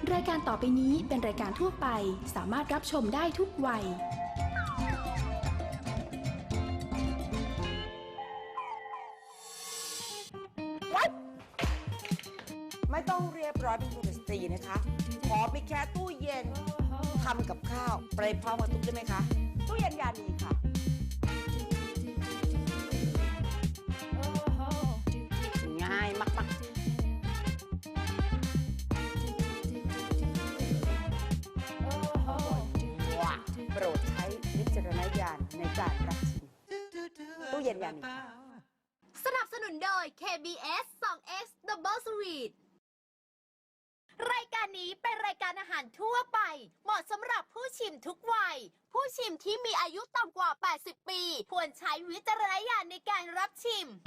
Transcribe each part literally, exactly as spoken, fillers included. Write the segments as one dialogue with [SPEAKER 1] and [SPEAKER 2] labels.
[SPEAKER 1] รายการต่อไปนี้เป็นรายการทั่วไปสามารถรับชมได้ทุกวัย
[SPEAKER 2] ไม่ต้องเรียบร้อยเป็นสุภาพสตรีนะคะขอไปแค่ตู้เย็นทำกับข้าวไปพร้อมกับตุ๊กได้ไหมคะตู้เย็นยานีค่ะง่ายมากๆว้าโปรดใช้วิจารณญาณในการรับชิมตู้เย็นยานี
[SPEAKER 3] สนับสนุนโดย เค บี เอส ทู เอ็กซ์ Double Sweet รายการนี้เป็นรายการอาหารทั่วไปเหมาะสำหรับผู้ชิมทุกวัยผู้ชิมที่มีอายุต่ำกว่าแปดสิบปีควรใช้วิจารณญาณในการรับชิม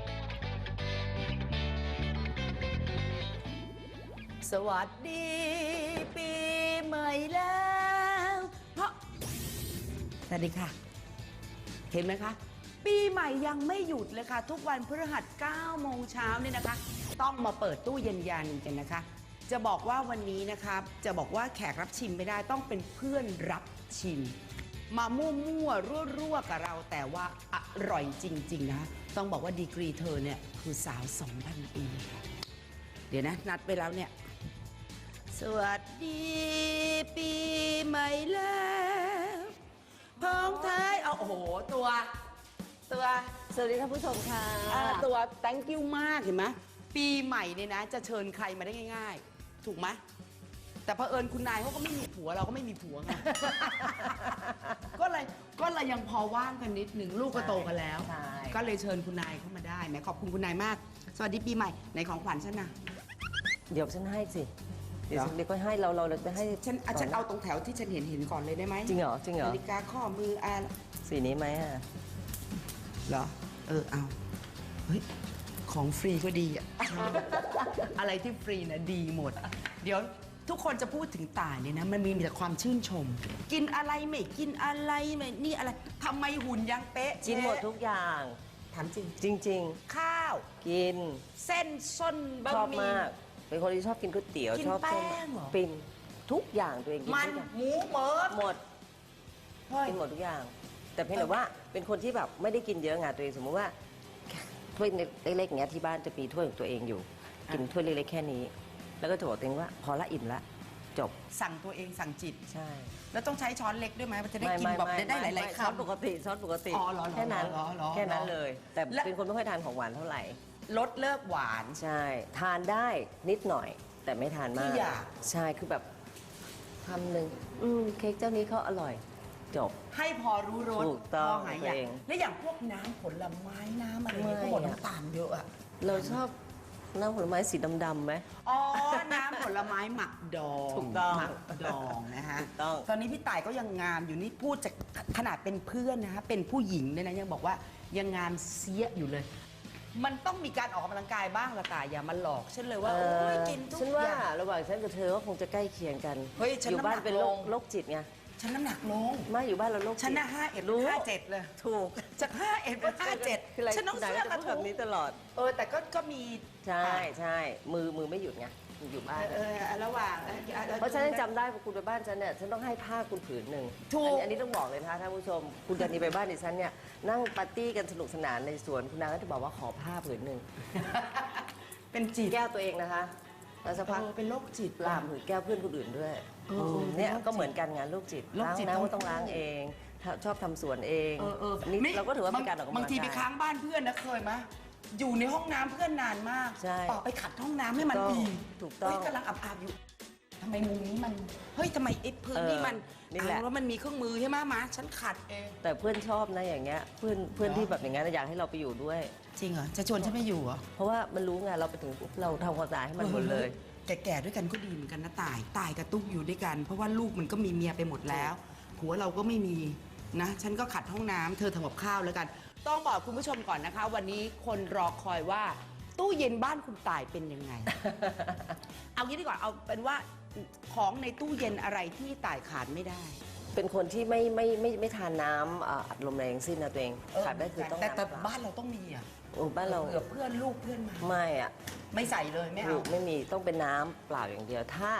[SPEAKER 2] สวัสดีปีใหม่แล้วเพราะสวัสดีค่ะเห็นไหมคะปีใหม่ยังไม่หยุดเลยค่ะทุกวันพฤหัสเก้าโมงเช้าเนี่ยนะคะต้องมาเปิดตู้เย็นยานีกันนะคะจะบอกว่าวันนี้นะคะจะบอกว่าแขกรับชิมไม่ได้ต้องเป็นเพื่อนรับชิมมามั่วๆรั่วๆกับเราแต่ว่าอร่อยจริงๆนะต้องบอกว่าดีกรีเธอเนี่ยคือสาว สองพัน ปีค่ะเดี๋ยวนะนัดไปแล้วเนี่ยสวัสดีปีใหม่แล้วพ้องท้ายเอาโอ้โหตัวตัว
[SPEAKER 4] สวัสดีท่านผู้ชมค่ะ
[SPEAKER 2] ตัว thank you มากเห็นไหมปีใหม่เนี่ยนะจะเชิญใครมาได้ง่ายๆถูกไหมแต่เผอิญคุณนายเขาก็ไม่มีผัวเราก็ไม่มีผัวไง ก็เลยก็เลยยังพอว่างกันนิดหนึ่งลูกก็โตกันแล้วก็เลยเชิญคุณนายเข้ามาได้แหมขอบคุณคุณนายมากสวัสดีปีใหม่ในของขวัญฉันนะ
[SPEAKER 4] เดี๋ยวฉันให้สิเดี๋ยวเดี๋ยวก็ให้เราเราจะให้
[SPEAKER 2] ฉันฉันเอาตรงแถวที่ฉันเห็นเห็นก่อนเลยได้ไหม
[SPEAKER 4] จริงเหรอจริงเหรอ
[SPEAKER 2] นาฬิกาข้อมืออ่ะ
[SPEAKER 4] สีนี้ไหมอ่ะ
[SPEAKER 2] เหรอเออเอาเฮ้ยของฟรีก็ดีอะ อะไรที่ฟรีนะดีหมดเดี๋ยวทุกคนจะพูดถึงต่ายเนี่ยนะมันมีแต่ความชื่นชมกินอะไรไม่กินอะไรไม่นี่อะไรทำไมหุ่นยังเป๊ะ
[SPEAKER 4] กินหมดทุกอย่าง
[SPEAKER 2] ถามจริง
[SPEAKER 4] จริง
[SPEAKER 2] ๆข้าว
[SPEAKER 4] กิน
[SPEAKER 2] เส้นส้นบะหมี่
[SPEAKER 4] ชอบมากเป็นคนที่ชอบกินก๋วยเตี๋ยวชอบ
[SPEAKER 2] แป้งเหรอ
[SPEAKER 4] ปิ้งทุกอย่างตัวเองกิน
[SPEAKER 2] มันหมูหมด
[SPEAKER 4] หมดกินหมดทุกอย่างแต่เพียงแต่ว่าเป็นคนที่แบบไม่ได้กินเยอะไงตัวเองสมมติว่าถ้วยเล็กๆอย่างเงี้ยที่บ้านจะมีถ้วยของตัวเองอยู่กินถ้วยเล็กๆแค่นี้แล้วก็จะบอกตัวเองว่าพอละอิ่มละจบ
[SPEAKER 2] สั่งตัวเองสั่งจิต
[SPEAKER 4] ใช่
[SPEAKER 2] แล้วต้องใช้ช้อนเล็กด้วยไหมมันจะได้กินแบบได้หลายๆคำ
[SPEAKER 4] ช้อนปกติช้อนปกติแค่นั้นแค่นั้นเลยแต่เป็นคนไม่ค่อยทานของหวานเท่าไหร่
[SPEAKER 2] ลดเลิกหวาน
[SPEAKER 4] ใช่ทานได้นิดหน่อยแต่ไม่ทานมากใช่คือแบบคำหนึ่งอืมเค้กเจ้านี้เขาอร่อยจบ
[SPEAKER 2] ให้พอรู้รส
[SPEAKER 4] ถูกต้องเอง
[SPEAKER 2] แล้วอย่างพวกน้ำผลไม้น้ำอะไรเนี่ยก็หมดน้ำตาลเยอะอะ
[SPEAKER 4] เราชอบน้ำผลไม้สีดำๆไหม
[SPEAKER 2] อ๋อน้ำผลไม้หมักดอง
[SPEAKER 4] ถูกต้อง
[SPEAKER 2] หมักดองนะฮะ
[SPEAKER 4] ถูกต้อง
[SPEAKER 2] ตอนนี้พี่ต่ายก็ยังงามอยู่นี่พูดจากขนาดเป็นเพื่อนนะฮะเป็นผู้หญิงเนี่ยนะยังบอกว่ายังงามเสียอยู่เลยมันต้องมีการออกกำลังกายบ้างละต่ายอย่ามาหลอกฉันเลยว่าโอ้ยกินทุกอย่างฉั
[SPEAKER 4] นว่าระหว่างฉันกับเธอก็คงจะใกล้เคียงกัน
[SPEAKER 2] เฮ้ยฉัน
[SPEAKER 4] อยู่บ้านเป็นโรคจิตไง
[SPEAKER 2] ฉันน้ำหนักลง
[SPEAKER 4] ไม่อยู่บ้านเราโรคจิต
[SPEAKER 2] ฉันน่ะห้าเอ็ดห้าเจ็ดเลย
[SPEAKER 4] ถูก
[SPEAKER 2] จากห้าเอ็ดเป็นห้าเจ็ดฉันต้องเสื้อกระ
[SPEAKER 4] ทุ้งแบบนี้ตลอด
[SPEAKER 2] เออแต่ก็ก็มี
[SPEAKER 4] ใช่ใช่มือมือไม่หยุดไงอยู่บ้าน
[SPEAKER 2] เออระหว่าง
[SPEAKER 4] เพราะฉันจำได้พอคุณไปบ้านฉันเนี่ยฉันต้องให้ผ้าคุณผืนหนึ่งอันนี้ต้องบอกเลยนะคะท่านผู้ชมคุณจันนีไปบ้านดิฉันเนี่ยนั่งปาร์ตี้กันสนุกสนานในสวนคุณนางก็จะบอกว่าขอผ้าผืนหนึ่ง
[SPEAKER 2] เป็นจี
[SPEAKER 4] แก้วตัวเองนะคะแล้วสักพัก
[SPEAKER 2] เป็นโรคจิต
[SPEAKER 4] ลามผืนแก้วเพื่อนคนอื่นด้วยเนี่ยก็เหมือนกันงานโรคจิตล้างน้ำก็ต้องล้างเองชอบทำสวนเองนี่เราก็ถือว่าเป็นการออกกำลังกาย
[SPEAKER 2] บางทีไปค้างบ้านเพื่อนนะเคยไหมอยู่ในห้องน้ำเพื่อนนานมากต่อไปขัดห้องน้ำให้มันดี
[SPEAKER 4] ถูกต้อง
[SPEAKER 2] กำลังอาบๆอยู่ทำไมมุมนี้มันเฮ้ยทำไมไอ้พื้นนี่มัน
[SPEAKER 4] นี่แหละ
[SPEAKER 2] แล้วมันมีเครื่องมือใช่ไหมมาฉันขัดเอง
[SPEAKER 4] แต่เพื่อนชอบนะอย่างเงี้ยเพื่อนเพื่อนที่แบบอย่างเงี้ยอยากให้เราไปอยู่ด้วย
[SPEAKER 2] จริงเหรอจะชวนฉันไปอยู่เหรอ
[SPEAKER 4] เพราะว่ามันรู้ไงเราไปถึงเราทำความสะอาดให้มันหมดเลย
[SPEAKER 2] แก่ๆด้วยกันก็ดีเหมือนกันนะตายตายกับตุ๊กอยู่ด้วยกันเพราะว่าลูกมันก็มีเมียไปหมดแล้วผัวเราก็ไม่มีนะฉันก็ขัดห้องน้ำเธอทำกับข้าวแล้วกันต้องบอกคุณผู้ชมก่อนนะคะวันนี้คนรอคอยว่าตู้เย็นบ้านคุณตายเป็นยังไง เอางี้ดีกว่าเอาเป็นว่าของในตู้เย็นอะไรที่ตายขาดไม่ได้
[SPEAKER 4] เป็นคนที่ไม่ไม่ไม่ไม่ทานน้ำอัดลมแรงสิ้นนะตัวเองขาดได้คือต้อง
[SPEAKER 2] แต่แต่บ้านเราต้องมีอ่ะ
[SPEAKER 4] โอ้บ้านเรา
[SPEAKER 2] เผื่อเพื่อนลูกเพื่อนมา
[SPEAKER 4] ไม่อ่ะ
[SPEAKER 2] ไม่ใส่เลยไม่เอา
[SPEAKER 4] ไม่มีต้องเป็นน้ำเปล่าอย่างเดียวถ้า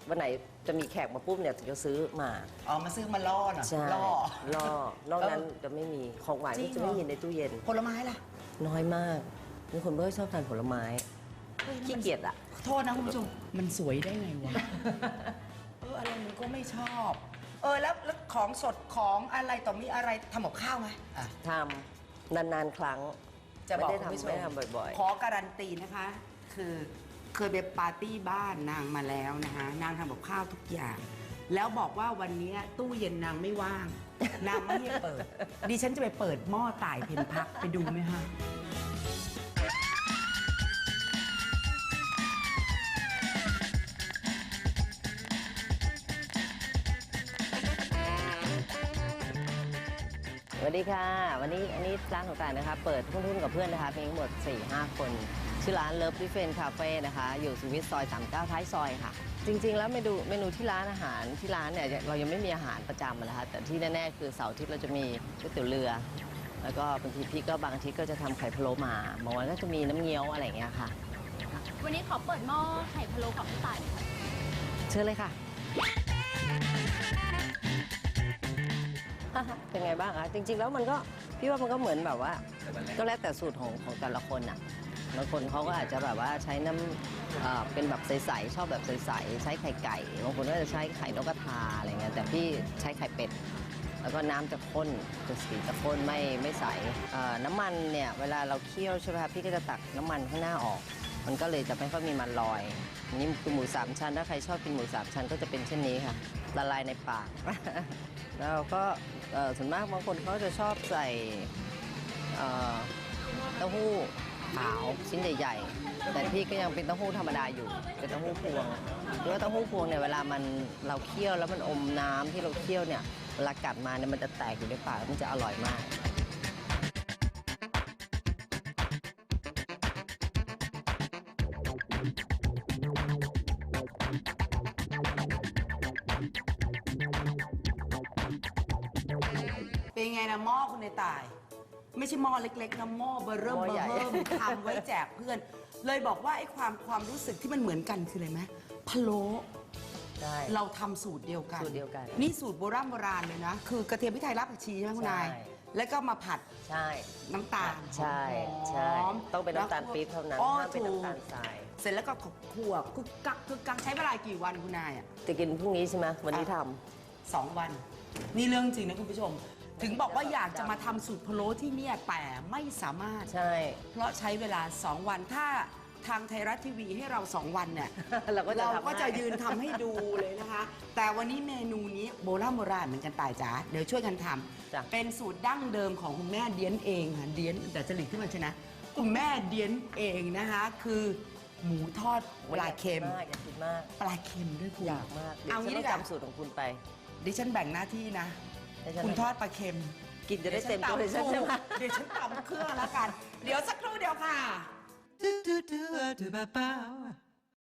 [SPEAKER 4] วันไหนจะมีแขกมาปุ๊บเนี่ยถึงจะซื้อมา
[SPEAKER 2] อ๋อมาซื้อมาล่อหน่อย
[SPEAKER 4] ใช่
[SPEAKER 2] ล่อ
[SPEAKER 4] ล่อนอกนั้นจะไม่มีของหวาน
[SPEAKER 2] จริ
[SPEAKER 4] ก็
[SPEAKER 2] ง
[SPEAKER 4] จะ
[SPEAKER 2] เหรอ
[SPEAKER 4] ไม่มีในตู้เย็น
[SPEAKER 2] ผลไม้ล่ะ
[SPEAKER 4] น้อยมากมีคนไม่ค่อยชอบทานผลไม้ขี้เกียจอ่ะ
[SPEAKER 2] โทษนะคุณผู้ชมมันสวยได้ไงวะ เอออะไรมันก็ไม่ชอบ เออแล้วแล้วของสดของอะไรต่อมีอะไรทำกับข้าวไหมอ่ะ
[SPEAKER 4] ทำนานๆครั้ง
[SPEAKER 2] จะบอก
[SPEAKER 4] ไม่ได้
[SPEAKER 2] คุณผู้ช
[SPEAKER 4] ทำไม่
[SPEAKER 2] ม
[SPEAKER 4] ได้ทำบ่อย
[SPEAKER 2] ขอการันตีนะคะ คือเคยไปปาร์ตี้บ้านนางมาแล้วนะคะนางทำกับข้าวทุกอย่าง แล้วบอกว่าวันนี้ตู้เย็นนางไม่ว่าง นางไม่ให้เปิด ดิฉันจะไปเปิดหม้อต่ายเพนพักไปดูไหมฮะ
[SPEAKER 4] ๆสวัสดีค่ะ วันนี้อันนี้ร้านของต่ายนะคะ เปิดทุ่นๆกับเพื่อนนะคะมีทั้งหมด สี่ห้า คน ชื่อร้านเลิฟดิเฟนคาเฟ่นะคะ อยู่สุขุมวิทซอยสามสิบเก้าท้ายซอยค่ะ จริงๆ แล้วเมนูเมนูที่ร้านอาหารที่ร้านเนี่ยเรายังไม่มีอาหารประจำนะคะ แต่ที่แน่ๆคือเสาร์อาทิตย์เราจะมีก๋วยเตี๋ยวเรือ แล้วก็บางทีพี่ก็บางอาทิตย์ก็จะทำไข่พะโล้มาบางวันก็จะมีน้ำเงี้ยวอะไรอย่างเงี้ยค่ะ
[SPEAKER 3] วันนี้ขอเปิดหม้อไข่พะโล้ของพี่ต่ายหน่อยค่ะ
[SPEAKER 4] เชิญเลยค่ะ เป็นไงบ้างคะจริง ๆ แล้วมันก็พี่ว่ามันก็เหมือนแบบว่า ก็แล้วแต่สูตรของของแต่ละคนอ่ะบางคนเขาก็อาจจะแบบว่าใช้น้ำเอ่อเป็นแบบใสๆชอบแบบใสๆใช้ไข่ไก่บางคนก็จะใช้ไข่นกกระทาอะไรเงี้ยแต่พี่ใช้ไข่เป็ดแล้วก็น้ำจะข้นจะสีจะข้นไม่ไม่ใสเอ่อน้ำมันเนี่ยเวลาเราเคี่ยวใช่ไหมคะพี่ก็จะตักน้ำมันข้างหน้าออก มันก็เลยจะไม่ค่อยมีมันลอยอันนี่คือหมูสามชั้นถ้าใครชอบกินหมูสามชั้นก็จะเป็นเช่นนี้ค่ะละลายในปาก แล้วก็เอ่อส่วนมากบางคนเขาจะชอบใส่เอ่อเต้าหู้ขาวชิ้นใหญ่ๆ แต่พี่ก็ยังเป็นเต้าหู้ธรรมดาอยู่ เป็นเต้าหู้พวงเพราะว่าเต้าหู้พวงเนี่ยเวลามันเราเคี่ยวแล้วมันอมน้ำที่เราเคี่ยวเนี่ยเวลากัดมาเนี่ยมันจะแตกอยู่ในปากมันจะอร่อยมาก
[SPEAKER 2] เป็นไงนะหม้อคุณในตาย ไม่ใช่หม้อเล็กๆนะหม้อเบอร์เริ่ม
[SPEAKER 4] หม้
[SPEAKER 2] เบ
[SPEAKER 4] อ
[SPEAKER 2] อ
[SPEAKER 4] ใหญ่
[SPEAKER 2] ร์เริ่มทำไว้แจกเพื่อน เลยบอกว่าไอ้ความความรู้สึกที่มันเหมือนกันคืออะไรไหมพะโล้
[SPEAKER 4] ใช่
[SPEAKER 2] เราทำสูตรเดียวกัน
[SPEAKER 4] สูตรเดียวกัน
[SPEAKER 2] นี่สูตรโบราณโบราณเลยนะ คือกระเทียมพริกไทยรากผักชีใช่ไหมคุณนาย
[SPEAKER 4] ใช่
[SPEAKER 2] แล้วก็มาผัด
[SPEAKER 4] ใช่
[SPEAKER 2] น้ำตาล
[SPEAKER 4] ใช่ใช่
[SPEAKER 2] หอม
[SPEAKER 4] ต้องเป็นน้ำตาลปี๊บเท่านั้น
[SPEAKER 2] อ๋อ
[SPEAKER 4] ห้ามเป็น
[SPEAKER 2] ถูก
[SPEAKER 4] น้ำตาลทราย
[SPEAKER 2] เสร็จแล้วก็ขั่วคึกกักคึกกักใช้เวลากี่วันคุณนายอ่ะ
[SPEAKER 4] จะกินพรุ่งนี้ใช่ไหมวันนี้ท
[SPEAKER 2] สองวัน นี่เรื่องจริงนะคุณผู้ชม ถึงบอกว่าอยากจะมาทำสูตรพะโล้ที่เนี่ยแต่ไม่สามารถ
[SPEAKER 4] ำใช่
[SPEAKER 2] เพราะใช้เวลา สอง วัน ถ้าทางไทยรัฐทีวีให้เรา สอง วันเนี่ย
[SPEAKER 4] เราก็จะ
[SPEAKER 2] เรา
[SPEAKER 4] ทำ
[SPEAKER 2] ก็จะ
[SPEAKER 4] ให้
[SPEAKER 2] ยืนทำให้ดูเลยนะคะ แต่วันนี้เมนูนี้โบราณโบราณเหมือนกันตายจ๋าเดี๋ยวช่วยกันท
[SPEAKER 4] จ้ะ
[SPEAKER 2] ำเป็นสูตรดั้งเดิมของคุณแม่เดียนเองค่ะเดียนแต่จริตขึ้นมาใช่นะคุณแม่เดียนเองนะคะ คือหมูทอดปลาเค็ม
[SPEAKER 4] อยากกินมาก
[SPEAKER 2] ปลาเค็มด้วยคุณ
[SPEAKER 4] อยากมากเดี๋ยว
[SPEAKER 2] เอา
[SPEAKER 4] ฉั
[SPEAKER 2] งี้
[SPEAKER 4] น
[SPEAKER 2] ดี
[SPEAKER 4] ต้อง
[SPEAKER 2] กว่า
[SPEAKER 4] จำสูตรของคุณไป
[SPEAKER 2] ดิฉันแบ่งหน้าที่นะ
[SPEAKER 4] ให้ฉัน
[SPEAKER 2] คุณทอดปลาเค็ม
[SPEAKER 4] กินจะได้เต็มตัวเลยใช่ไหม
[SPEAKER 2] เดี๋ยวฉันตำเครื่องแล้วกัน เดี๋ยวสักครู่เดียวค่ะ
[SPEAKER 5] Do do do do ba ba